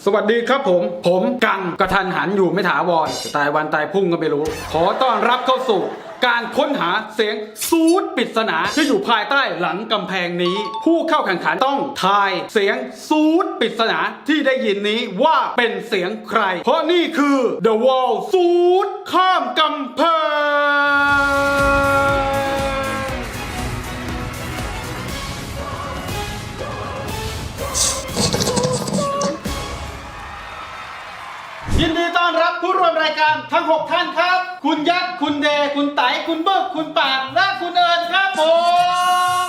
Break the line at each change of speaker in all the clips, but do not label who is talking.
สวัสดีครับผมกังกระทันหันอยู่ไม่ถาวรตายวันตายพุ่งก็ไม่รู้ขอต้อนรับเข้าสู่การค้นหาเสียงซูดปริศนาที่อยู่ภายใต้หลังกำแพงนี้ผู้เข้าแข่งขันต้องทายเสียงซูดปริศนาที่ได้ยินนี้ว่าเป็นเสียงใครเพราะนี่คือ The Wall ซูดข้ามกำแพงยินดีต้อนรับผู้ร่วมรายการทั้ง6ท่านครับคุณยักษ์คุณเดคุณไตคุณเบิกคุณปานและคุณเอิญครับผม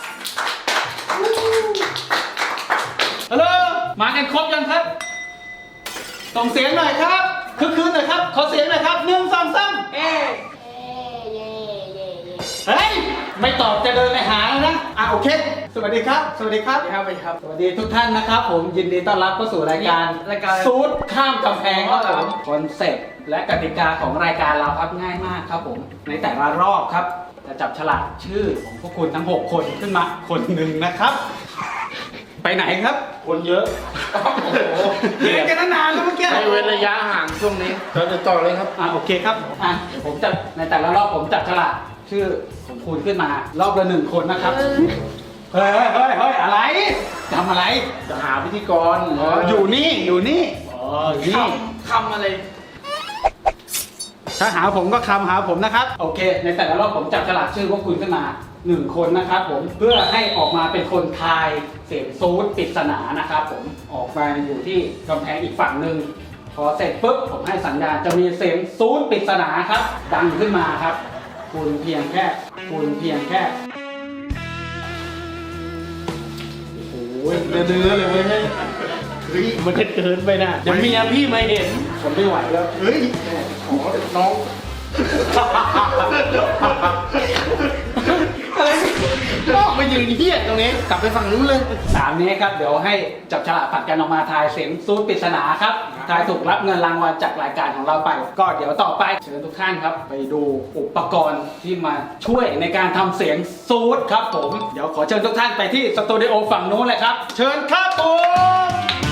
ฮัลโหลมากันครบยังครับส่งเสียงหน่อยครับคึกคืนหน่อยครับขอเสียงหน่อยครับ1 2 3เฮ้ยไม่ตอบจะเดินไปหาแล้วนะโอเคสวัสดีครับสวัสดีครับสวัสดีทุกท่านนะครับผมยินดีต้อนรับเข้าสู่รายการซูดข้ามกำแพงครับผมคอนเซ็ปต์และกติกาของรายการเราครับง่ายมากครับผมในแต่ละรอบครับจะจับฉลากชื่อของพวกคุณทั้ง6คนขึ้นมาคนหนึ่งนะครับไปไหนครับคนเยอะเรียนกันนานแล้วเมื่อกี้
ให้เว้นระยะห่างช่วงนี้เราจะต่อเลยครับ
โอเคครับเดี๋ยวผมจะในแต่ละรอบผมจับฉลากชื่อของคุณขึ้นมารอบละ1คนนะครับเฮ้ยอะไรทำอะไร
จะหาพิธีกร
อยู่นี่
คำอะไร
ถ้าหาผมก็คำหาผมนะครับโอเคในแต่ละรอบผมจับฉลากชื่อพวกคุณขึ้นมา1คนนะครับผมเพื่อให้ออกมาเป็นคนทายเสียงซูดปริศนานะครับผมออกมาอยู่ที่กำแพงอีกฝั่งหนึ่งพอเสร็จปุ๊บผมให้สัญญาณจะมีเสียงซูดปริศนาครับดังขึ้นมาครับคุณเพียงแค่โอ้ยเนื้อเลยเว้ย
มันเกินไปนะเดี๋ยวเมียพี่มาเห็น
ผมไม่ไหวแล้ว
ขอน้อง
อะไร
น้องมายืนเหี้ยตรงนี้กลับไปฝั่งนู้นเลย
3นี้ครับเดี๋ยวให้จับฉลากผัดกันออกมาทายเสียงซูดปริศนาครับทายถูกรับเงินรางวัลจากรายการของเราไปก็เดี๋ยวต่อไปเชิญทุกท่านครับไปดูอุปกรณ์ที่มาช่วยในการทำเสียงซูดครับผมเดี๋ยวขอเชิญทุกท่านไปที่สตูดิโอฝั่งนู้นเลยครับเชิญครับผม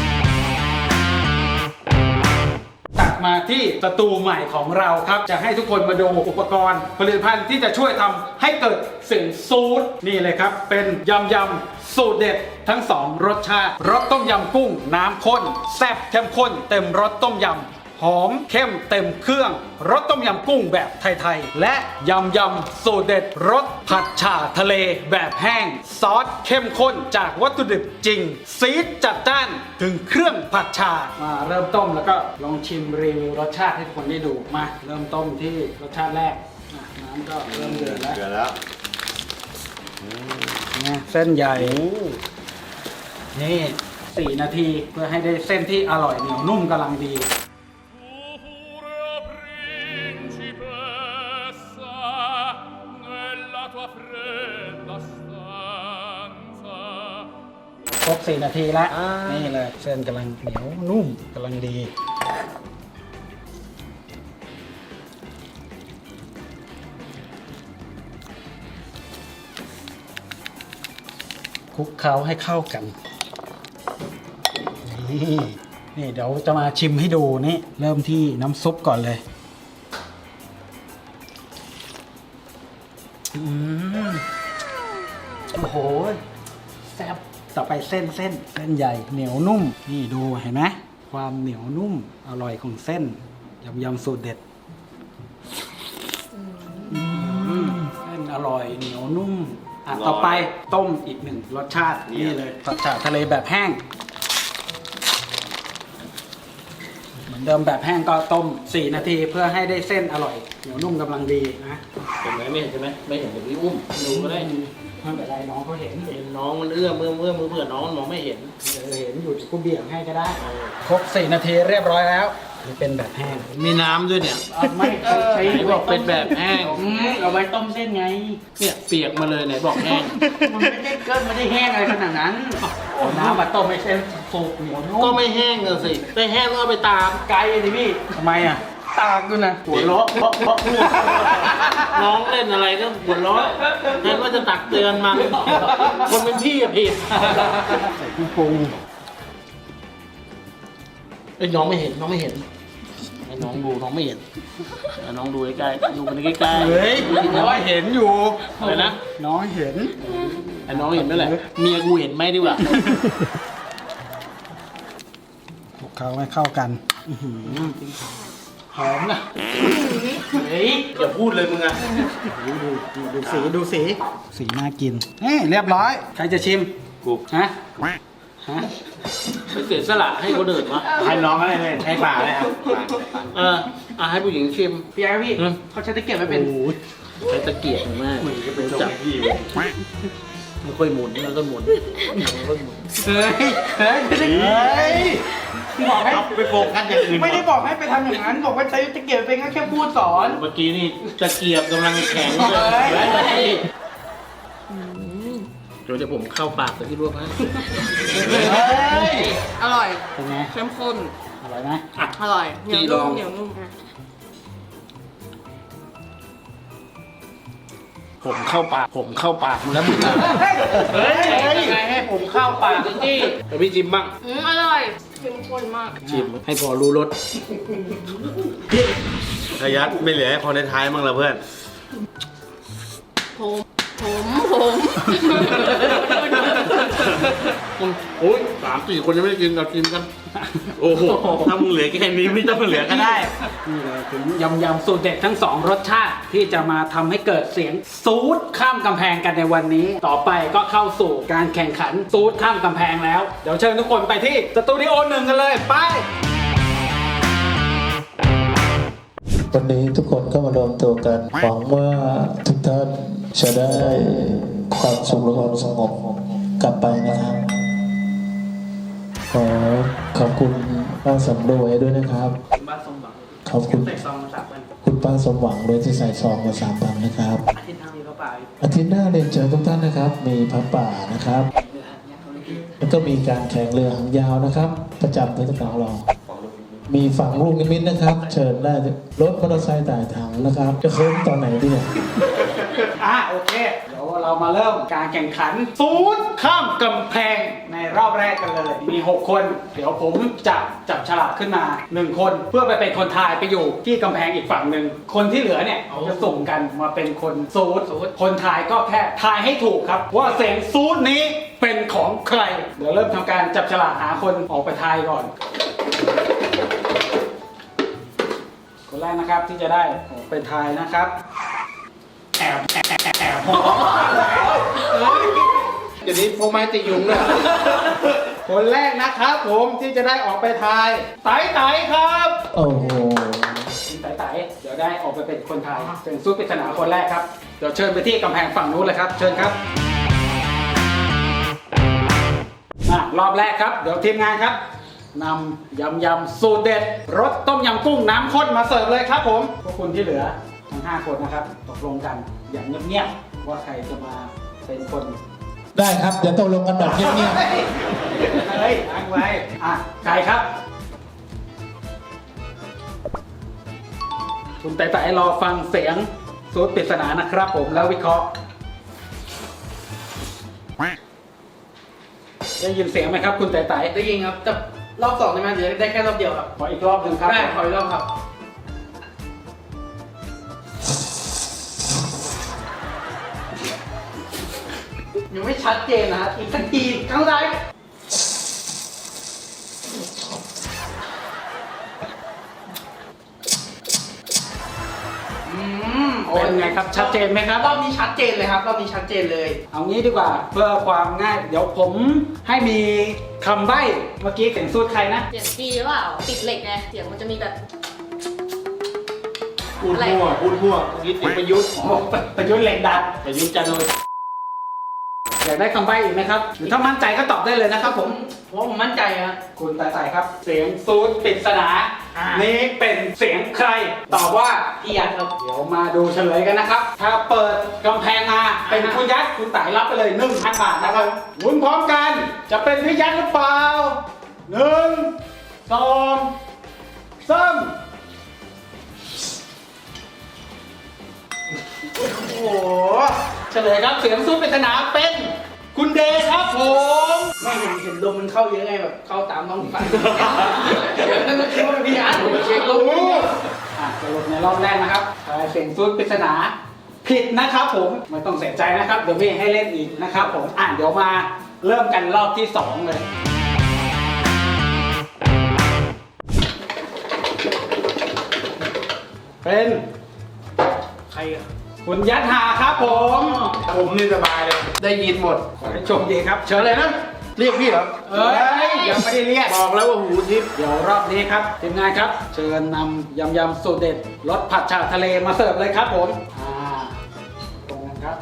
ตัดมาที่สตูใหม่ของเราครับจะให้ทุกคนมาดูอุปกรณ์ผลิตภัณฑ์ที่จะช่วยทำให้เกิดเสียงซูดนี่เลยครับเป็นยำสูตรเด็ดทั้ง2รสชาติรสต้มยำกุ้งน้ำข้นแซ่บเข้มข้นเต็มรสต้มยำหอมเข้มเต็มเครื่องรสต้มยำกุ้งแบบไทยๆและยำสูตรเด็ดรสผัดฉ่าทะเลแบบแห้งซอสเข้มข้นจากวัตถุดิบจริงซีดจัดจ้านถึงเครื่องผัดฉ่ามาเริ่มต้มแล้วก็ลองชิมรีวิวรสชาติให้ทุกคนได้ดูมาเริ่มต้มที่รสชาติแรกน้ำก็เริ่มเดือดแล้วเส้นใหญ่นี่4 นาทีเพื่อให้ได้เส้นที่อร่อยเหนียวนุ่มกำลังดีครบ4 นาทีแล้วนี่เลยเส้นกำลังเหนียวนุ่มกำลังดีคลุกเคล้าให้เข้ากันนี่เดี๋ยวจะมาชิมให้ดูนี่เริ่มที่น้ำซุปก่อนเลยโอ้โหแซ่บต่อไปเส้นใหญ่เหนียวนุ่มนี่ดูเห็นไหมความเหนียวนุ่มอร่อยของเส้นยำสูตรเด็ดเส้นอร่อยเหนียวนุ่มต่อไปต้มอีก1 รสชาตินี่เลยผัดฉ่าทะเลแบบแห้งเหมือนเดิมแบบแห้งก็ต้ม4 นาทีเพื่อให้ได้เส้นอร่อยเหนียวนุ่มกำลังดีนะ
เห็นไหมไม่เห็นใช่ไหมไม่เห็นเดี๋ยวพี่อุ้มดูก็ได้
ไม่เป็นไรน้องเขาเห็น
น้องมันเอื้อมเพื่อน้องมองไม่เห็น
เห็นอยู่กูเบี่ยงให้ก็ได้ครบ4 นาทีเรียบร้อยแล้วนี่เป็นแบบแห้ง
มีน้ำด้วยเนี่ย
ไม่ใช่
ไหนบอกเป็นแบบแห้ง
เอาไว้ต้มเส้นไง
เนี่ยเปียกมาเลยไหนบอกแห้ง
มันไม่ได้ไม่ได้แห้งอะไรขนาดนั้นน้ำมาต้มไม่ใช่สุกเหนียวนุ่ม
ก็ไม่แห้งเลยสิไปแห้งก็ไปตาม
ไกลสิพี่ทำไมตากด้วยนะ
หัวเราะเพราะน้องเล่นอะไรก็หัวเราะนั่นว่าจะตักเตือนมันคนเป็นพี่อะผิด
ใส่กุ้งปรุง
อ้ยน้องไม่เห็นน้องไม่เห็นให้น้องดูน้องไม่เห็นให้น้องดูใกล้ๆดูมันใกล้ๆ
เฮ้ยน้อยเห็นอยู่
อะไรนะ
น้อยเห็น
ไอ้น้องเห็นไหมแหละเมียกูเห็นไหมดีกว่า
พวกเขาไม่เข้ากัน
หอมนะเฮ้ยอย่าพูดเลยมึงอะ
ดูสีสีน่ากินนี่เรียบร้อยใครจะชิม
กู
ฮะฮะ
ไปเสียสละให้คนอื่นวะ
ให้น้องอะไรเลยให้ป่าเลยครับ
ให้ผู้หญิงชิม
พี่ไอ้พี่
อืม
เขาใช้ตะเกียบไม่เป็น
ใช้ตะเกียบมากจับไม่ค่อยหมุนแล้วก็หมุนแล้วก็หมุน
เฮ้ยไม่ได้บอกให้
เอาไปโฟกัสอย่างอื่น
ไม่ได้บอกให้ไปทำอย่างนั้น บอกว่าใช้ตะเกียบเป็นแค่พูดสอน
เมื่อกี้นี่ตะเกียบกำลังแข็งเลย
เฮ้ย
เดี๋ยวผมเข้าปากแต่ที่รวบให้
อร่อย
เป็นไง
เข้มข้น
อร่อยไหม
อร่อยเหนียวนุ่มเหนียวนุ่ม
ผมเข้าปากมึงแล้วมึงอะ
เฮ้ย
ยังไงให้ผมเข้าปากจริงๆแต่พี่ชิมบ้าง
อร่อยเข้มข้นมาก
ชิมให้พอรู้รส
ขยัดไม่เหลือให้คนในท้ายมั้งละเพื่อน
ผม
โอ้ย3-4 คนยังไม่ได้กินเรากินกัน
โอ้โห ถ้ามึงเหลือแค่นี้ไม่ต้องเหลือก็ได้
นี่เลยถึงยำสูตรเด็ดทั้ง 2 รสชาติที่จะมาทำให้เกิดเสียงซูดข้ามกำแพงกันในวันนี้ ต่อไปก็เข้าสู่การแข่งขันซูดข้ามกำแพงแล้ว เดี๋ยวเชิญทุกคนไปที่สตูดิโอ1กันเลยไป
วันนี้ทุกคนก็มารวมตัวกัน หวังว่าทุกท่านจะได้ความสุขและความสงบกลับไปนะครับ ขอขอบคุณป้าสำรวยด้วยนะครับ
บ้านสมหวัง
ขอบคุณ
ใส่ซองมา3 วัน
คุณป้าสมหวังด้วยที่ใส่ซองมา3,000นะครับ
อาทิตย์ทางนี้เขาป่า
อาทิตย์หน้าเรียนเชิญทุกท่านนะครับ มีพระป่านะครับ แล้วก็มีการแข่งเรือหางยาวนะครับ ประจำเทศกาลของเรา มีฝั่งลูกนิมิตนะครับ เชิญได้รถมอเตอร์ไซค์ต่ายถังนะครับ จะเคิร์ฟตอนไหนดีเนี่ย
โอเค เดี๋ยวเรามาเริ่มการแข่งขันซูดข้ามกำแพงในรอบแรกกันเลย มี 6 คน เดี๋ยวผมจะจับฉลากขึ้นมา 1 คน เพื่อไปเป็นคนทายไปอยู่ที่กำแพงอีกฝั่งหนึ่ง คนที่เหลือเนี่ยจะส่งกันมาเป็นคนซูดคนทายก็แค่ทายให้ถูกครับ ว่าเสียงซูดนี้เป็นของใคร เดี๋ยวเริ่มทำการจับฉลากหาคนออกไปทายก่อน คนแรกนะครับที่จะได้ออกไปทายนะครับ แอบ
เดี๋ยวนี้พวกไม้ติยุงเลย
คนแรกนะครับผมที่จะได้ออกไปทายไต่ครับ
โอ้โห
คุณไต่เดี๋ยวได้ออกไปเป็นคนทายเป็นสู้ปริศนาคนแรกครับเดี๋ยวเชิญไปที่กำแพงฝั่งนู้นเลยครับ เชิญครับรอบแรกครับเดี๋ยวทีมงานครับนำยำสูตรเด็ดรสต้มยำกุ้งน้ำข้นมาเสิร์ฟเลยครับผมพวกคุณที่เหลือทั้ง5 คนนะครับตกลงกันอย่างเงียบๆว่าใครจะมาเป็นคน
ได้ครับเดี๋ยวตกลงกันแบบเงียบ
เฮ้ยตั้งไว้ใครครับ คุณไต่รอฟังเสียงสูตรปริศนานะครับผมแล้ววิเคราะห์ได้ยินเสียงไหมครับ คุณไต่
ได้ยินครับแต่รอบ2ได้ไหมเดี๋ยวได้แค่รอบเดียวครับ
ขออีกรอบหนึ่งครับ
ได้ขออีกรอบครับ ยังไม่ชัดเจนนะฮะอีกสักทีครั้งใด
เป็นไงครับชัดเจนไหมครับ
รอบนี้ชัดเจนเลยครับรอบนี้ชัดเจนเลย
เอางี้ดีกว่าเพื่อความง่าย เดี๋ยวผมให้มีคำใบ้เมื่อกี้เสียงสูตรใครนะ
เสียงดีหรือเปล่าติดเหล็กไงเสียงมันจะมีแบบ
พูดมั่วเมื่อกี้เสียงประยุทธ์
ประยุทธ์เหล็กดัด
ประยุทธ์จันทร์โอชา
อยากได้คำใบ้อีกไหมครับหรือถ้ามั่นใจก็ตอบได้เลยนะครับผม
เพราะผมมั่นใจฮะ
คุณตาใส่ครับ เสียงซูดปริศนานี้เป็นเสียงใคร ตอบว่า
พี่ยัดครับ
เดี๋ยวมาดูเฉลยกันนะครับ ถ้าเปิดกำแพงมาเป็นคุณยัดคุณไต่รับไปเลย 1,000 บาทนะครับหมุนพร้อมกัน จะเป็นพี่ยัดหรือเปล่า 1 2 3
โอ้โห
เฉลยครับเสียงซูดปริศนาเป็นคุณเดชครับผม
ไม่เห็นลมมันเข้าเยอะไงแบบเข้าตามท้องฟ้าแล้วก็คิดว่าเป็นพี่อาร์ตเช็คลม
สรุปในรอบแรกนะครับเสียงซูดปริศนาผิดนะครับผมไม่ต้องเสียใจนะครับเดี๋ยวพี่ให้เล่นอีกนะครับผมเดี๋ยวมาเริ่มกันรอบที่ 2 เลย เป็นใครอะคุณยัดหาครับผม
ผมนี่สบายเลยได้ยินหมด
ขอให้โชคดีครับเชิญ
อะไรนะเรียกพี่เหรอ
เอ้ยยังไม่ได้เรียก
บอกแล้วว่าหูทิพย์
เดี๋ยวรอบนี้ครับทีมงานครับ เชิญนำยำสูตรเด็ดรสผัดฉ่าทะเลมาเสิร์ฟเลยครับผมตรงนั้นครับ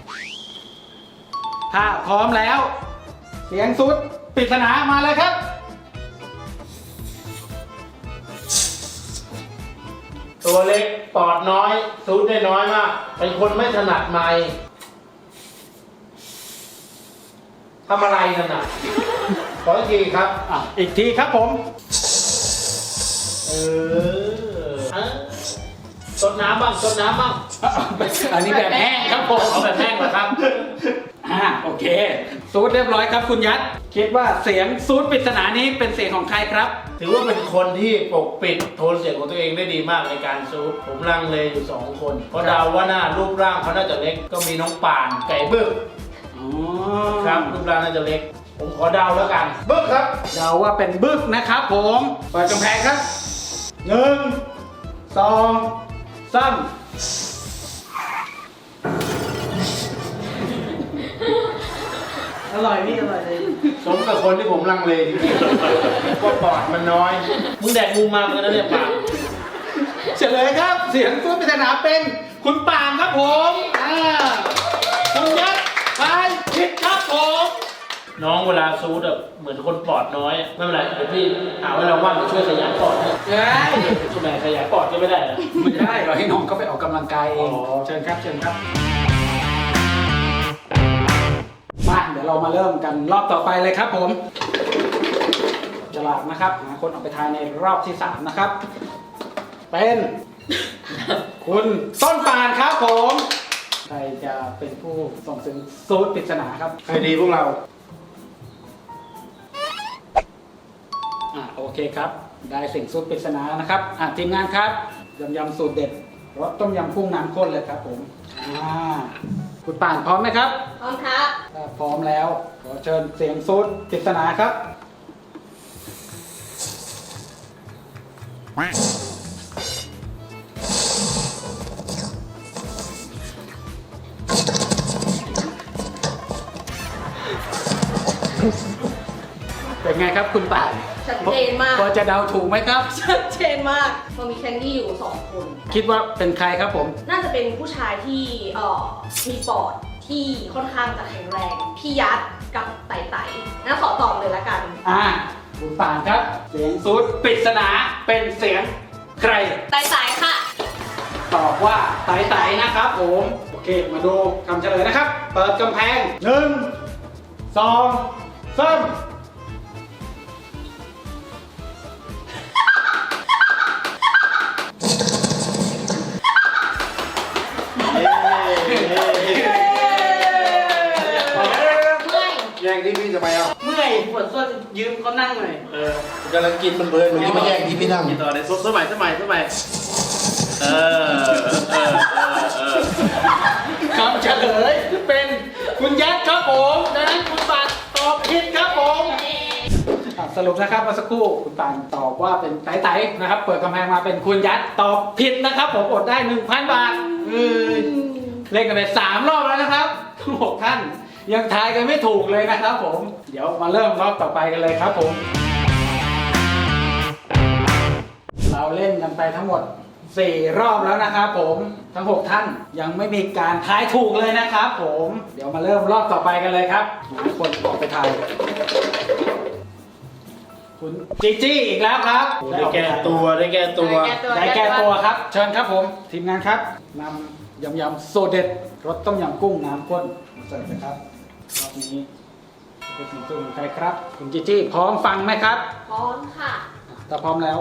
ถ้าพร้อมแล้ว เสียงสุดปริศนามาเลยครับ
ตัวเล็กปอดน้อยซูดได้น้อยมากเป็นคนไม่ถนัดไมค์ทำอะไรนั่นน่ะขออีกทีครับ
อีกทีครับผม
ซดน้ำบ้างซดน้ำบ้าง
อันนี้แบบแห้งครับผม
เอาแบบแห้งเหรอครับ
โอเคซูดเรียบร้อยครับคุณยัดคิดว่าเสียงซูดปริศนานี้เป็นเสียงของใครครับ
ถือว่าเป็นคนที่ปกปิดโทนเสียงของตัวเองได้ดีมากในการซูดผมลังเลอยู่2 คนเพราะเดาว่าหน้ารูปร่างเขาน่าจะเล็กก็มีน้องป่านไก่บึ้กครับรูปร่างน่าจะเล็ก ผมขอเดาแล้วกันบึ้กครับ
เดาว่าเป็นบึกนะครับผมเปิดกำแพงครับ1 2 3
อร่อยพี่อร่อยเลย
สมกับคนที่ผมลังเลจริงๆว่าปอดมันน้อย มึงแดกงูมาเหมือนกันนะเนี่ยปาก
เฉลยครับเสียงซูดปริศนาเป็นคุณปางครับผมคุณยัดไปผิดครับผม
น้องเวลาซูดแบบเหมือนคนปอดน้อยอะไม่เป็นไรเดี๋ยวพี่หาเวลาว่างจะช่วยขยายปอดให้
เฮ้ย
ช่วยขยายปอดก็ไม่ได้เหรอ
ไม่ได้เราให้น้องเขาไปออกกำลังกายเอง
อ๋อ
เชิญครับเชิญครับมาเดี๋ยวเรามาเริ่มกันรอบต่อไปเลยครับผมฉลากนะครับหาคนออกไปทายในรอบที่ 3 นะครับ เป็น คุณต้นปานครับผมใครจะเป็นผู้ส่งเสียงซูดปริศนาครับ
ใครดีพวกเรา
โอเคครับ ได้เสียงซูดปริศนานะครับทีมงานครับยำสูตรเด็ดรสต้มยำกุ้งน้ำข้นเลยครับผมคุณป่านพร้อมไหมครับ
พร้อมครับ
ถ้าพร้อมแล้วขอเชิญเสียงซูดปริศนาครับ เป็นไงครับคุณป่าน
ชัดเจนมาก
พอจะเดาถูกไหมครับ
ชัดเจนมากมันมีแคนดี้อยู่2 คน
คิดว่าเป็นใครครับผม
น่าจะเป็นผู้ชายที่มีปอดที่ค่อนข้างจะแข็งแรง พี่ยัดกับไต่ไต่งั้นขอตอบเลยละกัน
คุณป่านครับ เสียงซูดปริศนาเป็นเสียงใคร
ไต่ไต่ค่ะ
ตอบว่าไต่ไต่นะครับผม โอเค มาดูคำเฉลยนะครับ เปิดกำแพง 1 2 3
แย่งที่พี่ทำไมอ่ะ
เมื่อยปวดส้นยืมเขานั่งหน่อย
กำลังกินมันเพลินมันจะมาแย่งที่พี่นั่งกินต่อเลยสมัย
คำเฉลยเป็นคุณยัดครับผมดังนั้นคุณปานตอบผิดครับผมสรุปนะครับเมื่อสักครู่คุณปานตอบว่าเป็นไต่ไต่นะครับ เปิดกำแพงมาเป็นคุณยัดตอบผิดนะครับ ผมอดได้ 1,000 บาทเล่นกันไป3 รอบแล้วนะครับทั้ง6 ท่านยังทายกันไม่ถูกเลยนะครับผมเดี๋ยวมาเริ่มรอบต่อไปกันเลยครับผม เราเล่นกันไปทั้งหมด4 รอบแล้วนะครับผมทั้ง6 ท่านยังไม่มีการทายถูกเลยนะครับผมเดี๋ยวมาเริ่มรอบต่อไปกันเลยครับหาคนออกไปทายคุณจีจี้อีกแล้วครับ
ได้แก้ตัว
ได้แก้ตัวครับ เชิญครับผมทีมงานครับนำยำโซเด็ดรสต้มยำกุ้งน้ำข้นมาเสิร์ฟนะครับรอบนี้เป็นสิ่งตัวของใครครับคุณจีจี้พร้อมฟังไหมครับ
พร้อมค่ะ
ถ้าพร้อมแล้ว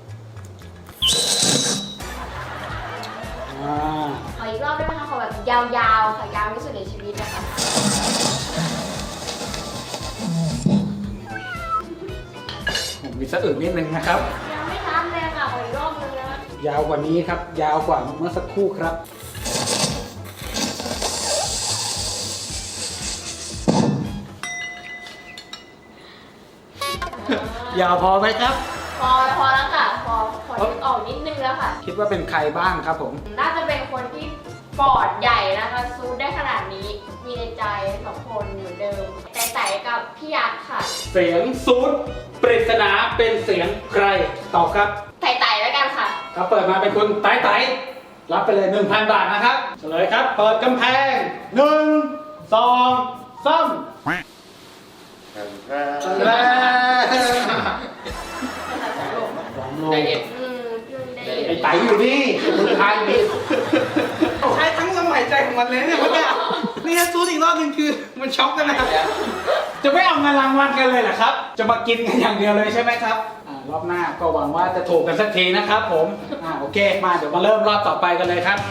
ขออีกรอบได้ไหมคะ ขอแบบยาวๆค่ะยาวที่สุดในชีวิตนะคะ
มีสะอึกนิดนึงนะครับ
ยังไม่ทันเลยค่ะขออีกรอบนึงนะ
ยาวกว่านี้ครับ ยาวกว่าเมื่อสักครู่ครับ ยาวพอไหมครับ
พอแล้วค่ะ พอนึกออกนิดนึงแล้วค่ะ
คิดว่าเป็นใครบ้างครับผม
น่าจะเป็นคนที่ปอดใหญ่นะคะซูดได้ขนาดนี้ มีในใจสองคนเหมือนเดิม แต่กับพี่ยักษ์ค่ะ
เสียงซูดปริศนาเป็นเสียงใครตอบครับ
ไต่แล้วกันค่ะ
ครับเปิดมาเป็นคุณไต่รับไปเลย 1,000 บาทนะครับเฉลยครับ เปิดกำแพง 1 2 3แล้
ใจเย็น
พี่ได้
ไอ้ไตอยู่นี่มือทายมี
ใช้ทั้งลมหายใจของมันเลยเนี่ยเมื่อกี้นี่ถ้าซูดอีกรอบนึงคือมันช็อกกันนะครับ
จะไม่เอาเงินรางวัลกันเลยเหรอครับ จะมากินกันอย่างเดียวเลยใช่ไหมครับรอบหน้าก็หวังว่าจะถูกกันสักทีนะครับผมโอเคมาเดี๋ยวมาเริ่มรอบต่อไปกันเลยครับ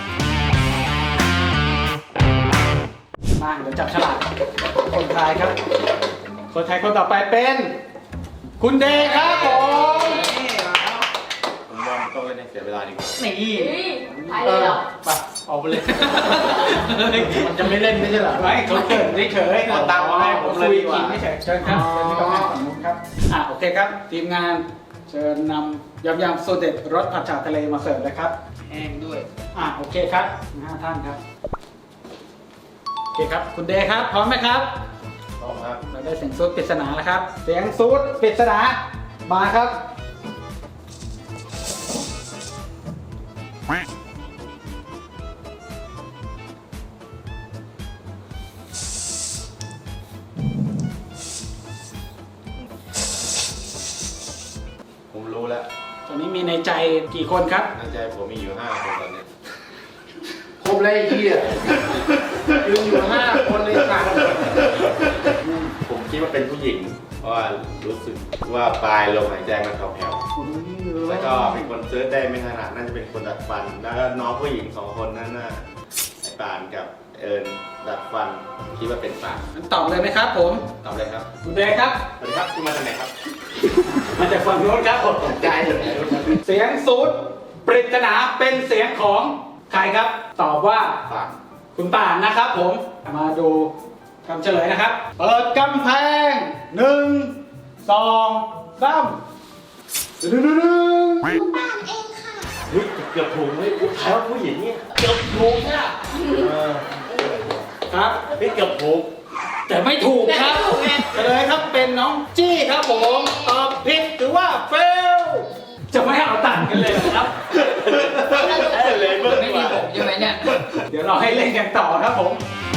มาเดี๋ยวจับฉลากคนไทายครับ คนไทยคนต่อไปเป็น คุณเดย์ครับผม
ผมว่ามันต้องเล่นให้เสียเวลาดีกว่า
นี่
เฮ้ยไปเลยเหรอ
ไปออกไปเลย มันจะไม่เล่นไม่ใช่เหรอ
ไม่เขาเกิดเฉยๆ
เอาตังค์มาให้ผมเลยดีกว่า
คุไม่เฉยเชิญครับเชิญที่กำแพงฝั่งนู้นครับโอเคครับ ทีมงานเชิญนำยำสูตรเด็ดรสผัดฉ่าทะเลมาเสิร์ฟเลยครับ
แห้งด้วย
โอเคครับ5ท่านครับโอเคครับ คุณเดย์ครับ พร้อมไหมครับ
พร้อมครับ
เราได้เสียงซูดปริศนาแล้วครับ เสียงซูดปริศนามาครับ
ผมรู้แล้ว
ตอนนี้มีในใจกี่คนครับ
ในใจผมมีอยู่5 คนตอนนี้
ครบเลยไอ้เหี้ยยืนอยู่5 คนเลยสั่ง
ผมคิดว่าเป็นผู้หญิง เพราะว่ารู้สึกว่าปลายลมหายใจมันแผ่วๆแล้วก็เป็นคนเซิร์ชได้ไม่ถนัดน่าจะเป็นคนดัดฟัน แล้วก็น้องผู้หญิง2 คนนั้นน่ะไอ้ปานกับเอิญดัดฟัน คิดว่าเป็นปาน
งั้นตอบเลยไหมครับผม
ตอบเลยครับ
คุณเดย์ครับ
สวัสดีครับที่มาจากไหนครับ
มาจากฝั่งโน้นครับผม
ตกใจเลย
เสียงซูดปริศนาเป็นเสียงของใครครับ ตอบว่า
ปาน
คุณป่านนะครับผม มาดูคำเฉลยนะครับ เปิดกำแพง 1 2 3ดึง
เฮ้ยเกือบถูกเลยใครว่าผู้หญิงเนี่ยเกือบถูกเนี่ย
ครับ
เฮ้ยเกือบถูก
แต่ไม่ถูกครับเฉลยครับเป็นน้องจี้ครับผมตอบผิดหรือว่าเฟลจะไม่เอาตังค์กันเลยเหรอครับ
เลยเมื่อ
ไม่มีผมใช่ไหมเนี่ย
เดี๋ยวเราให้เล่นกันต่อครับผม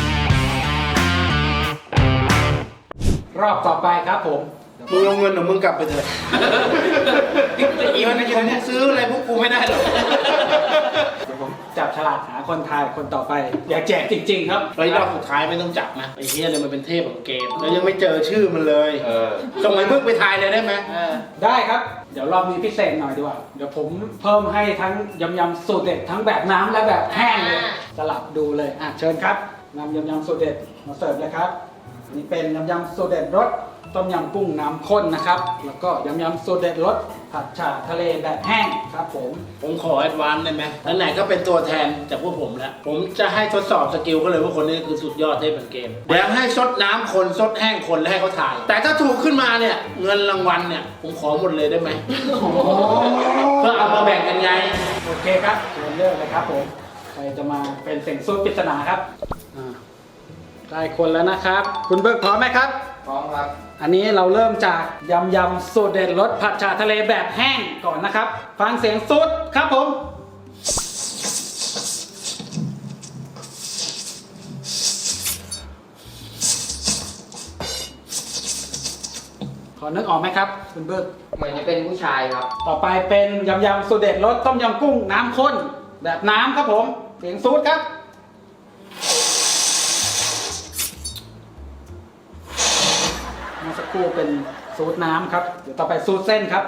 รอบต่อไปครับผม
มึงเอาเงินของมึงกลับไปเถอะอีวันนี้ผมซื้ออะไรพวกกูไม่ได้หรอก
เดี๋ยวผมจับฉลากหาคนทายคนต่อไป อยากแจกจริงๆครับ
ไอ้รอบสุดท้ายไม่ต้องจับนะไอ้เฮียเลยมันเป็นเทพของเกมแล้วยังไม่เจอชื่อมันเลย ส่งไอ้มึกไปทายเลยได้ไหม
ได้ครับ เดี๋ยวรอบนี้พิเศษหน่อยดีกว่า เดี๋ยวผมเพิ่มให้ทั้งยำสูตรเด็ดทั้งแบบน้ำและแบบแห้งเลย สลับดูเลยเชิญครับนำยำสูตรเด็ดมาเสิร์ฟเลยครับอันนี่เป็นยำสูตรเด็ดรสต้มยำกุ้งน้ำข้นนะครับ แล้วก็ยำสูตรเด็ดรสผัดฉ่าทะเลแบบแห้งครับผม
ผมขอแอดวานซ์ได้ไหมไหนๆก็เป็นตัวแทนจากพวกผมแล้ว ผมจะให้ทดสอบสกิลก็เลยว่าคนนี้คือสุดยอดเทพแห่งเกมเดี๋ยวให้ซดน้ำคนซดแห้งคนแล้วให้เขาถ่าย แต่ถ้าถูกขึ้นมาเนี่ยเงินรางวัลเนี่ยผมขอหมดเลยได้ไหมเพื่อเอามาแบ่งกันไง
โอเคครับเชิญเลือกเลยครับผมใครจะมาเป็นเสียงสูตรปริศนาครับได้คนแล้วนะครับ คุณเบิกพร้อมไหมครับ
พร้อมครับ
อันนี้เราเริ่มจากยำสูตรเด็ดรสผัดฉ่าทะเลแบบแห้งก่อนนะครับ ฟังเสียงสูตรครับผมพอนึกออกไหมครับคุณเบิก
เหมือนจะเป็นผู้ชายครับ
ต่อไปเป็นยำสูตรเด็ดรสต้มยำกุ้งน้ำข้นแบบน้ำครับผมเสียงสูตรครับเมื่อสักครู่เป็นสูตรน้ำครับเดี๋ยวต่อไปสูตรเส้นครับ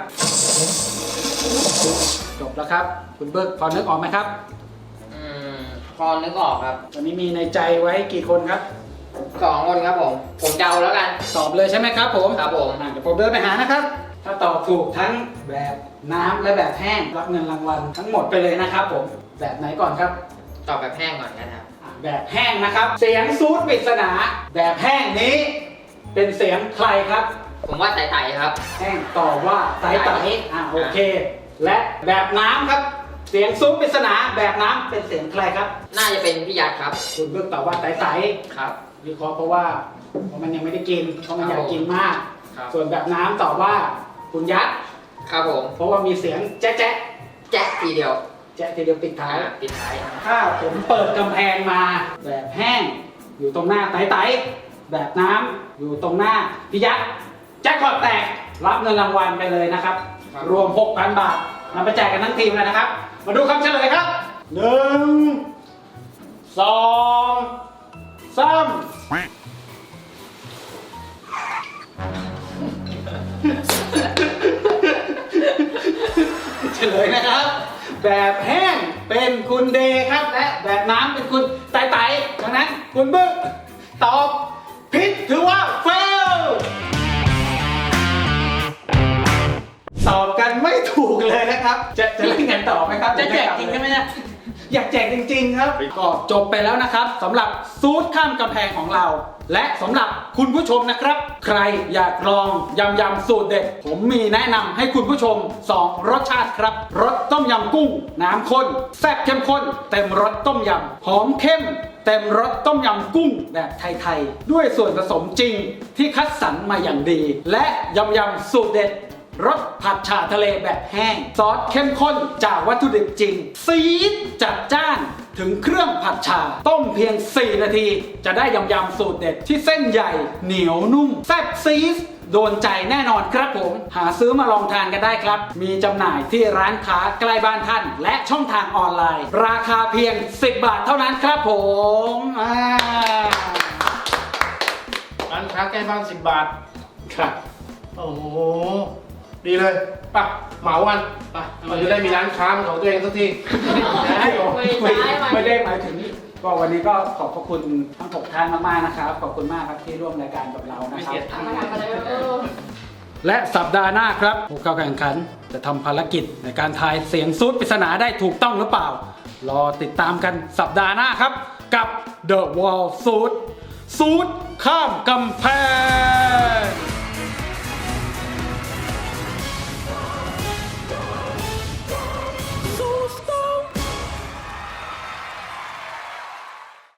จบแล้วครับคุณเบิกพอนึกออกไหมครับ
พอนึกออกครับ
ตอนนี้มีในใจไว้กี่คนครับ
2 คนครับผม ผมเดาแล้วกัน
ตอบเลยใช่ไหมครับผม
ครับผม
เดี๋ยวผมเดินไปหานะครับถ้าตอบถูกทั้งแบบน้ำและแบบแห้งรับเงินรางวัลทั้งหมดไปเลยนะครับผมแบบไหนก่อนครับ
ตอบแบบแห้งก่อนนะครับ
แบบแห้งนะครับ เสียงซูดปริศนาแบบแห้งนี้ เป็นเสียงใครครับ
ผมว่าไต่ๆครับ
แห้งตอบว่าไต่ไต่โอเค และแบบน้ำครับ เสียงซูดปริศนาแบบน้ำเป็นเสียงใครครับ
น่าจะเป็นพี่ยัดครับ
คุณเลือกตอบว่าไต่ไต่
ครับ
วิเคราะห์เพราะว่ามันยังไม่ได้กินเพราะมันอยากกินมาก
ครับ
ส่วนแบบน้ำตอบว่าคุณยัด
ครับผม
เพราะว่ามีเสียงแจ๊ะแจ๊ะ
แจ๊ะทีเดียว
แจ๊ะทีเดียวปิดท้าย
ปิดท้าย
ถ้าผมเปิดกำแพงมาแบบแห้งอยู่ตรงหน้าไต่ไต่แบบน้ำอยู่ตรงหน้าพี่ยักษ์แจ็คพอตแตกรับเงินรางวัลไปเลยนะครับ รวม 6,000 บาทนำไปแจกกันทั้งทีมเลยนะครับ มาดูคำเฉลยครับ 1 2 3 เฉลยนะครับ แบบแห้งเป็นคุณเดครับและแบบน้ำเป็นคุณไต่ไต่ดังนั้นคุณบึ้งตอบผิดถือว่าเฟลตอบกันไม่ถูกเลยนะครับ จะเล่นกันต่อไหมครับ
จะแจกจริงใช่ไหมเนี่ย
อยากแจกจริงๆครับก็จบไปแล้วนะครับสำหรับซูดข้ามกำแพงของเรา และสำหรับคุณผู้ชมนะครับ ใครอยากลองยำสูตรเด็ดผมมีแนะนำให้คุณผู้ชม 2 รสชาติครับรสต้มยำกุ้งน้ำข้นแซ่บเข้มข้นเต็มรสต้มยำหอมเข้มเต็มรสต้มยำกุ้งแบบไทยๆด้วยส่วนผสมจริงที่คัดสรรมาอย่างดี และยำสูตรเด็ดรสผัดฉ่าทะเลแบบแห้งซอสเข้มข้นจากวัตถุดิบจริงซีดจัดจ้านถึงเครื่องผัดฉ่าต้มเพียง 4 นาที จะได้ยำสูตรเด็ดที่เส้นใหญ่เหนียวนุ่มแซ่บซีดโดนใจแน่นอนครับผมหาซื้อมาลองทานกันได้ครับมีจำหน่ายที่ร้านค้าใกล้บ้านท่านและช่องทางออนไลน์ราคาเพียง 10 บาทเท่านั้นครับผม
ร้านค้าใกล้บ้าน10 บาท
ครับ
โอ้โห ดีเลยไป่ะเหมาวันไป่ะเราจะได้มีร้านค้าเป็นของตัวเองสักที
ไม่ได้หมายถึงก็วันนี้ก็ขอบพระคุณทั้ง 6 ท่านมากๆนะครับขอบคุณมากครับที่ร่วมรายการกับเรานะครับ และสัปดาห์หน้าครับผู้เข้าแข่งขันจะทำภารกิจในการทายเสียงซูดปริศนาได้ถูกต้องหรือเปล่ารอติดตามกันสัปดาห์หน้าครับกับ The Wall ซูดข้ามกำแพง